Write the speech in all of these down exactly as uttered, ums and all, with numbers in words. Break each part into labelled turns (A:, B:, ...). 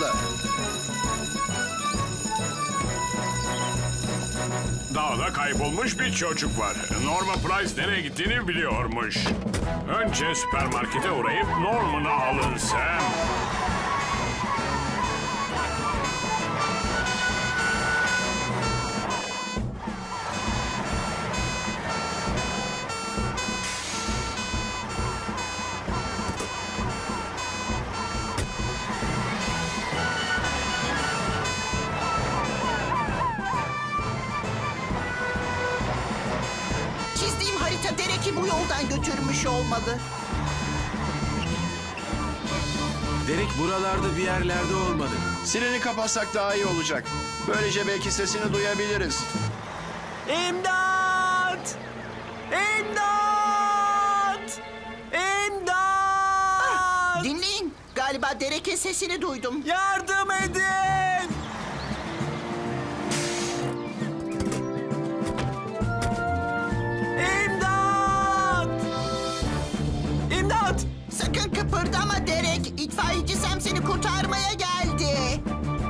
A: yolunda.
B: Dağda kaybolmuş bir çocuk var. Norman Price nereye gittiğini biliyormuş. Önce süpermarkete uğrayıp Norman'ı alın Sam.
C: Çizdiğim harita Derek'i bu yoldan götürmüş olmalı.
D: Derek buralarda bir yerlerde olmalı.
A: Sireni kapatsak daha iyi olacak. Böylece belki sesini duyabiliriz.
E: İmdat! İmdat! İmdat!
C: Dinleyin. Galiba Derek'in sesini duydum.
E: Yardım edin! İmdat! İmdat!
C: Sakın kıpırdama Derek. İtfaiyeci Sam seni kurtarmaya geldi.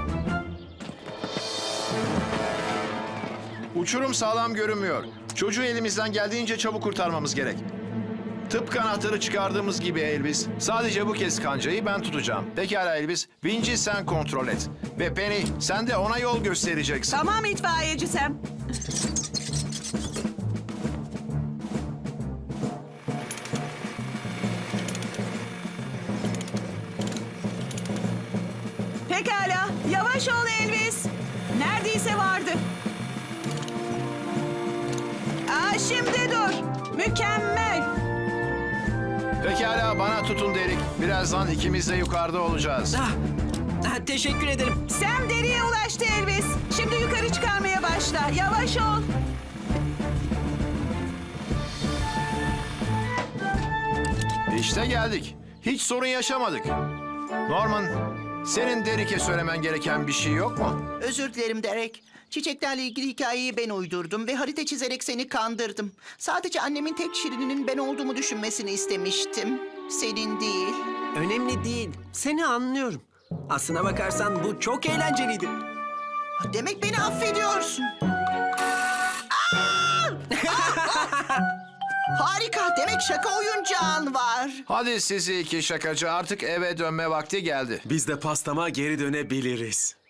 A: Uçurum sağlam görünmüyor. Çocuğu elimizden geldiğince çabuk kurtarmamız gerek. Tıpkı anahtarı çıkardığımız gibi Elvis. Sadece bu kez kancayı ben tutacağım. Pekala Elvis. Vinci sen kontrol et. Ve Penny sen de ona yol göstereceksin.
F: Tamam itfaiyeci Sam. Pekala. Yavaş ol Elvis. Neredeyse vardı. Aa, şimdi dur. Mükemmel.
A: Pekala bana tutun Derek. Birazdan ikimiz de yukarıda olacağız.
E: Ah, ah, teşekkür ederim.
F: Sam deriye ulaştı Elvis. Şimdi yukarı çıkarmaya başla. Yavaş ol.
A: İşte geldik. Hiç sorun yaşamadık. Norman, senin Derek'e söylemen gereken bir şey yok mu?
C: Özür dilerim Derek. Çiçeklerle ilgili hikayeyi ben uydurdum ve harita çizerek seni kandırdım. Sadece annemin tek şirininin ben olduğumu düşünmesini istemiştim. Senin değil.
E: Önemli değil. Seni anlıyorum. Aslına bakarsan bu çok eğlenceliydi.
C: Demek beni affediyorsun. Aa! Harika. Demek şaka oyuncağın var.
A: Hadi sizi iki şakacı artık eve dönme vakti geldi.
D: Biz de pastama geri dönebiliriz.